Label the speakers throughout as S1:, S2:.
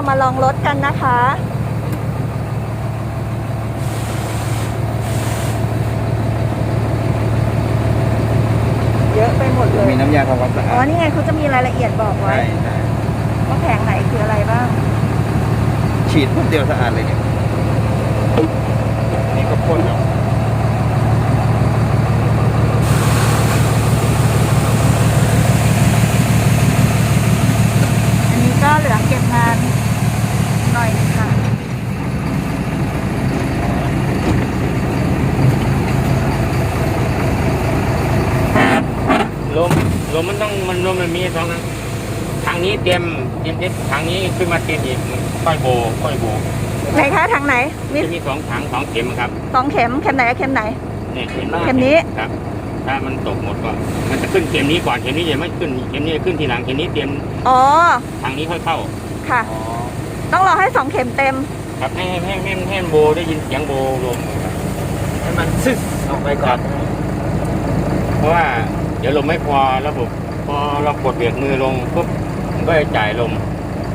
S1: มาลองรถกันนะคะ เยอะไปหมดเลย
S2: มีน้ำยาทำความสะอาด
S1: อ๋อ นี่ไงเขาจะมีรายละเอียดบอกไว้
S2: ใช่
S1: ว่าแผงไหนคืออะไรบ้าง
S2: ฉีดปุ๊บเดียวสะอาดเลยเนี่ยนี่ก็พ่นแล้ว
S1: อันนี้ก็เหลือเก็บงานหน่อยนึงค่ะ
S3: ลมมันต้องลมมันมีสองนะทางนี้เตรียมทางนี้ขึ้นมาเตรียมอีกค่อยโบ
S1: ไหนคะทางไหน มี
S3: จะมีสองถังสองเข็มครับ
S1: 2 เข็ม เข็มไหนกับเข็มไหน
S3: เนี่ยเข็ม
S1: เข็มนี้
S3: ครับ ถ้ามันตกหมดก็มันจะขึ้นเข็มนี้ก่อนเข็มนี้จะไม่ขึ้นเข็มนี้จะขึ้นทีหลังเข็มนี้เตรียม
S1: อ๋อ
S3: ทางนี้ค่อยเข้า
S1: ค่ะ ต้องรอให้2 เข็มเต็ม
S3: ครับให้โบได้ยินเสียงโบลมครับ
S2: ให้มันซึกออกไปก่อน
S3: เพราะว่าเดี๋ยวลมไม่พอระบบพอเรากดเบรกมือลงปุ๊บมันก็จะจ่ายลม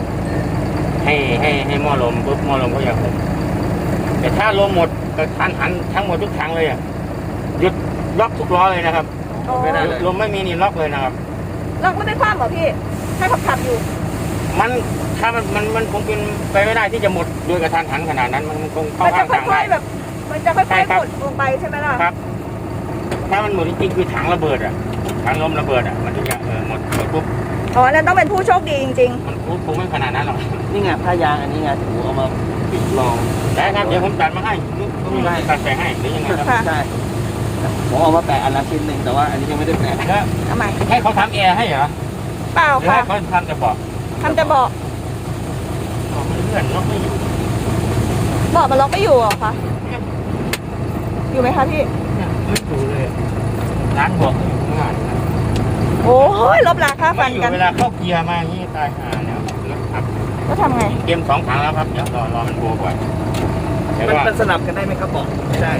S3: ให้หม้อลมปุ๊บหม้อลมก็จะหมดแต่ถ้าลมหมดก็หันทั้งหมดทุกถังเลยอ่ะหยุดล็อกทุกล้อเลยนะครับ
S1: อ๋อ
S2: ไม่ได้เลย
S3: ลมไม่มีนี่ล็อกเลยนะครับ
S1: ล็อกไม่ได้คว่ำเหรอพี่ ให้ขับอยู่
S3: มันถ้ามันคงเป็นไปไม่ได้ที่จะหมดโดยกระทันหันขนาดนั้นมันคงเข้า
S1: มันจะ
S3: ข้าง
S1: ค่
S3: ทาง
S1: อย
S3: ได้
S1: ๆแบบ มันจะค่
S3: ใช่
S1: อย
S3: ครั
S1: ๆ
S3: บ
S1: กดลงไปใช่ไหมล่ะ
S3: ครับ ถ้ามันหมดจริงๆคือถังระเบิดอ่ะถังลมระเบิดอ่ะมันจะหมดปุ๊บ
S1: อ๋อแล้วต้องเป็นผู้โชคดีจริง
S3: มันคงไม่ขนาดนั้นหรอก
S2: นี่ไงผ้ายางอันนี้ไงถูเอามาปิดรอง
S3: ได้ครับเดี๋ยวผมตัดมาให้ก็มีตัดใส่ให้หรือยังไงครับ
S1: ค่ะ
S2: ใช่ผมเอามาแปะอันละชิ้นหนึ่งแต่ว่าอันนี้ยังไม่ได้แปะ
S3: แล้ว
S1: ๆทำไม
S3: ให้เขาทำแอร์ให้เหรอ
S1: เปล่า
S3: หรือ
S1: ค่ะ
S3: ให้เขาทำแต่เบอก
S1: ทำแต่เบาะ
S3: มันเลื่อนล็อกไม่อยู่
S1: เบาะมันล็อกไม่อยู่เหรอคะ อยู่ไหมคะพี่
S3: เนี่ยไม่อยู่เลยร้านบอกอยู่ข้างหน้า
S1: โอ้ยลบราค่าฟั
S3: ไม่
S1: น
S3: อยู่
S1: กัน
S3: เวลาเข้าเกียร์มาอย่างนี้ตายห่าแล้วนะครับ
S1: ก็ทำไง
S3: เตรียม2 ถังแล้วครับเดี๋ยวรอมันโบก่อนแต่
S2: มัน
S3: ว่า
S2: มันสลับกันได้ไหมครับบอกไม่ได้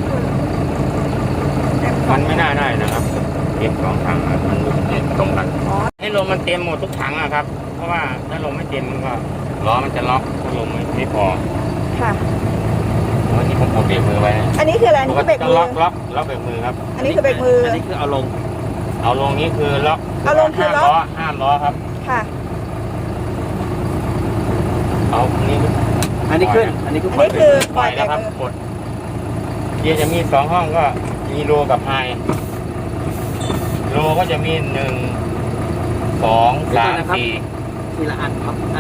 S3: มันไม่น่าได้นะครับเตรียม2 ถังอะมันตรงกัน
S1: อ๋อ
S3: ให้ลมมันเต็มหมดทุกถังนะครับ เพราะว่าถ้าลมไม่เต็มมันก็ล้อมันจะล็อกถ้าลมไม่พอ
S1: ค่ะ
S3: วันนี้ผมกดเบรกมือไว้
S1: อันนี้คืออะไร อันนี้คือเบรกมือ
S3: ล็อกเบรกมือครับ
S1: อันนี้คือเบรกมือ
S2: อันนี้คือเอาลง
S3: เอาลงนี้คือล็อก
S1: เอาลงคือล็อก
S3: ห้ามล้อครับ
S1: ค่ะ
S3: เอานี่
S2: อันนี้ขึ้น อันนี้คือ
S1: อัน
S2: ปล่อย
S1: นี้
S2: ไป
S1: คือ
S2: เลย
S1: ปล่อย
S3: แล้ว
S1: เบ
S3: ค
S1: ร
S3: รับ
S1: กมือก
S3: ดเกียร์จะมี2 ห้องก็มีโลกับไฮโลก็จะมี1 2 3 4
S2: ทีละอันครับ